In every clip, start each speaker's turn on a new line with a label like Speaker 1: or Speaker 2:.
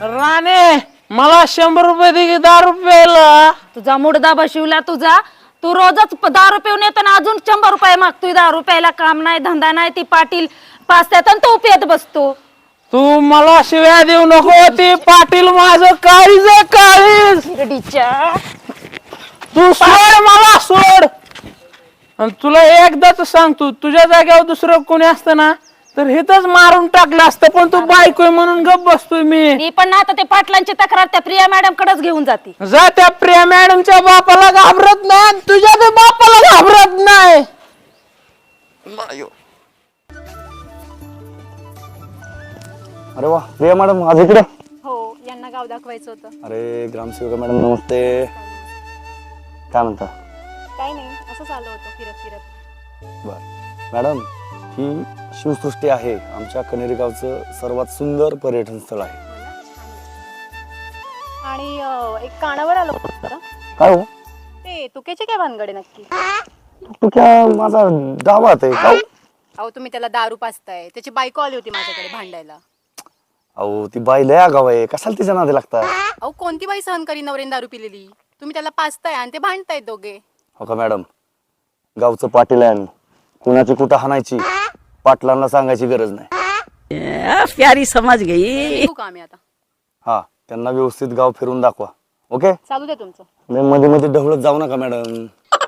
Speaker 1: राणे मला 100 रुपये दे की दारू प्यायला.
Speaker 2: तुझा मुडदा बशिवला तुझा. तू रोजच दारू पिऊन येतो ना अजून 100 रुपये मागतोय. दारू प्यायला काम नाही धंदा नाही. ती पाटील पाचत्यात आणि तू पियत बसतो.
Speaker 1: तू मला शिव्या देऊ नको. ती पाटील माझं काळीज काळीज. तू सोड मला सोड. आणि तुला एकदाच सांगतो तुझ्या जागेवर दुसरं कोणी असतं ना तर हेच मारून टाकलं असतं. पण तू बायकोय म्हणून गप बसतोय मी
Speaker 2: पण ना आता ते पाटलांची तक्रार त्या प्रिया मॅडम कडेच घेऊन जाते.
Speaker 1: जा त्या प्रिया मॅडमच्या बापाला घाबरत नाही. तुझ्या त्या बापाला घाबरत नाही.
Speaker 3: अरे वा प्रिया मॅडम आज इकडे.
Speaker 2: हो यांना गाव दाखवायचं होतं.
Speaker 3: अरे ग्रामसेवक मॅडम नमस्ते. काय म्हणता?
Speaker 2: काही नाही असंच आलो होतो फिरत फिरत.
Speaker 3: बर मॅडम ही शिवसृष्टी आहे आमच्या कनेरी गावचं सर्वात सुंदर पर्यटन स्थळ आहे.
Speaker 2: आणि एक कानावर आलो होतं.
Speaker 3: काय हो
Speaker 2: ते तुकेचे काय भानगडे नक्की?
Speaker 3: तू क्या माझा डावात आहे का?
Speaker 2: अहो तुम्ही त्याला दारू पाजताय. त्याची बायको आली होती माझ्याकडे भांडायला.
Speaker 3: अहो ती बाई लय आगाव आहे. कशाला तिच्या नादी लागता?
Speaker 2: अहो कोणती बाई सहन करी नवरेन दारू पिलेली. तुम्ही त्याला पाजताय आणि ते भांडताय दोघे.
Speaker 3: हो का मॅडम गावचं पाटील आहे. कुणाची कुठं हाणायची पाटलांना सांगायची गरज नाही.
Speaker 4: प्यारी समज गई.
Speaker 2: का आम्ही आता
Speaker 3: हा त्यांना व्यवस्थित गाव फिरून दाखवा. ओके
Speaker 2: चालू दे तुमचं.
Speaker 3: मध्ये मध्ये ढवळत जाऊ नका मॅडम.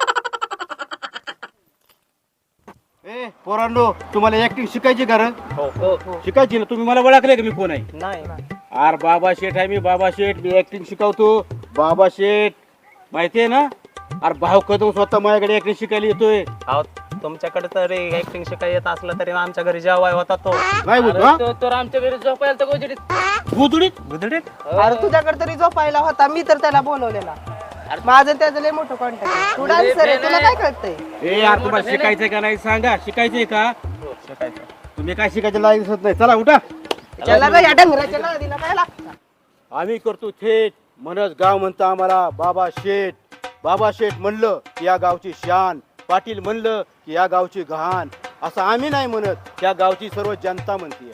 Speaker 5: ए पोरांनो तुम्हाला ऍक्टिंग शिकायची का? शिकायची ना. तुम्ही मला ओळखले का मी कोण आहे?
Speaker 1: नाही
Speaker 5: अरे बाबा शेठ आहे मी. बाबा शेठ मी ऍक्टिंग शिकवतो. बाबा शेठ माहितीये ना? अरे भाऊ कदम स्वतः माझ्याकडे ऍक्टिंग शिकायला येतोय.
Speaker 1: तुमच्याकडे तरी ऍक्टिंग शिकाय येत असलं तरी आमच्या घरी जेवाय होता तो.
Speaker 5: नाही बोलतो हा?
Speaker 1: तर आमच्या घरी झोपायला तर
Speaker 5: गुदुडीत
Speaker 1: गुदडीत.
Speaker 6: अरे तुझ्याकडे तरी झोपायला होता. मी तर त्याला बोलवलेला. माझं त्याचं लय मोठं कॉन्टॅक्ट. तू डान्सर आहे तुला काय कळतंय?
Speaker 5: ए यार तुम्हाला शिकायचंय का नाही सांगा. शिकायचंय का? तुम्ही काय शिकायचं लायक दिसत नाही. चला उठा.
Speaker 6: त्याला काय या डंगराच्या नादीला काय लागतं?
Speaker 5: आम्ही करतो थेट म्हणच गाव म्हणतं आम्हाला बाबा शेठ. बाबा शेठ म्हणलं की या गावची शान. पाटील म्हणलं की या गावची घाण. असं आम्ही नाही म्हणत. त्या गावची सर्व जनता म्हणते.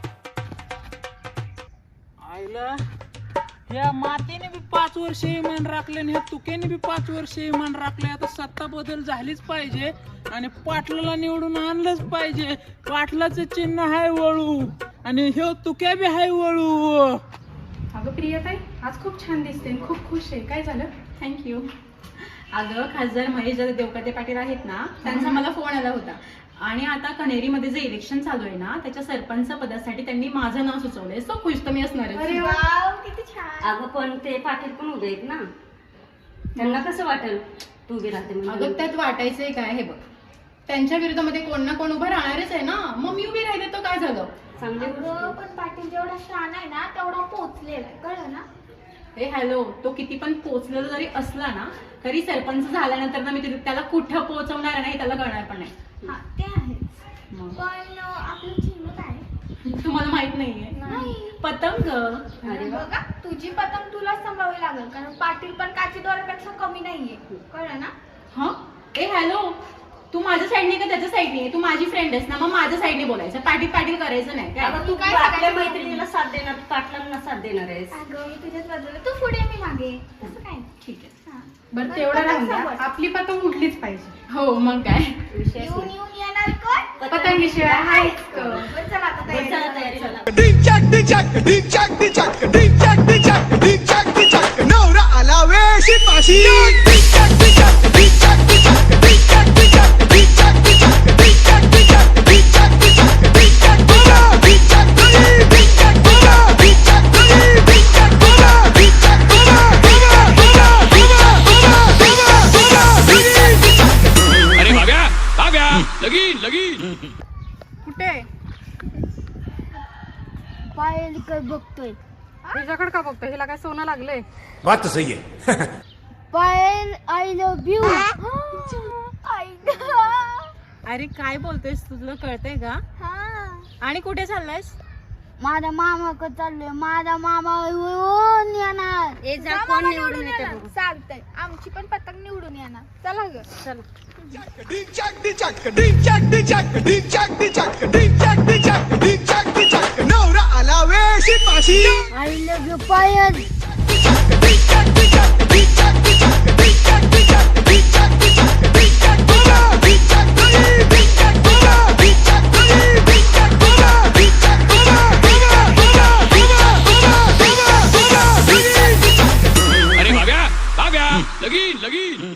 Speaker 1: आईला या मातेने बी 5 वर्ष इमान राखले आणि ह्या तुकेने बी 5 वर्ष इमान राखले. आता सत्ता बदल झालीच पाहिजे आणि पाटलाला निवडून आणलंच पाहिजे. पाटलाचं चिन्ह हाय वळू आणि ह्यो तुक्या बी हाय वळू.
Speaker 7: अगं प्रियताई आज खूप छान दिसते. खूप खुश आहे. काय झालं? थँक्यू. अगं खासदार महेश देवकाते पाटील आहेत ना त्यांचा मला फोन आला होता. आणि आता कणेरीमध्ये जे इलेक्शन चालू आहे ना त्याच्या सरपंच पदासाठी त्यांनी माझं नाव सुचवलंय. सो खुश तर मी असणार आहे.
Speaker 8: अगं पण ते पाटील पण उभे आहेत ना. त्यांना कसं वाटेल तू उभी राहते?
Speaker 7: अगं त्यात वाटायचंय काय? हे बघ त्यांच्या विरोधामध्ये कोण ना कोण उभं राहणारच आहे ना. मग मी उभी राहिले तर काय झालं?
Speaker 9: पण पाटील जेवढा शान आहे ना तेवढा पोचलेला कळलं ना.
Speaker 7: हे हॅलो तो किती पण पोचलेला जरी असला ना तरी सरपंच झाल्यानंतर ना मी त्याला कुठं पोहोचवणार नाही त्याला कळणार पण नाही.
Speaker 9: हा ते आहे. पण आपलं चिन्ह काय?
Speaker 7: तुम्हाला माहित नाहीये?
Speaker 9: नाही.
Speaker 7: पतंग.
Speaker 9: बघा तुझी पतंग तुला सांभाळावी लागेल कारण पाटील पण काची दोऱ्यापेक्षा कमी नाहीये कळलं ना.
Speaker 7: हा ए हॅलो तू माझ्या साईडने का त्याच्या साईडने? तू माझी फ्रेंड आहेस ना मग माझ्या साईडने बोलायचं. पाटील पाटील करायचं नाही काय?
Speaker 8: तू काय आपल्या मैत्रिणीला साथ देणार पाटलांना साथ देणार आहेस?
Speaker 9: अगं मी तुझ्याच बाजूला. तू पुढे मी मागे. तसं काय?
Speaker 7: ठीक आहे. बरं तेवढं राहून द्या. आपली पतंग उठलीच पाहिजे. हो मग काय
Speaker 9: येऊन येणार कोण?
Speaker 7: पतंगीशिवाय हायच.
Speaker 9: चला आता तयारी करा.
Speaker 10: नवरा आला वेशी पाशी.
Speaker 7: कुठे
Speaker 9: पायल काय बघतोय?
Speaker 7: तुझ्याकडे का बघतो? हिला काय सोनं लागलंय?
Speaker 10: बात तो सही है.
Speaker 9: Payal I love you.
Speaker 7: अरे काय बोलतोयस? तुला कळतंय का? आणि कुठे चाललायस?
Speaker 9: माझ्या मामाकडे चाललोय. माझा मामा येऊन येणार.
Speaker 8: कोण निवडून येते?
Speaker 9: चालतंय आमची पण पतंग निवडून येणार. चला ग चला.
Speaker 10: नवरा आला अलावे शिपाशी
Speaker 9: आय लव्ह यू पायल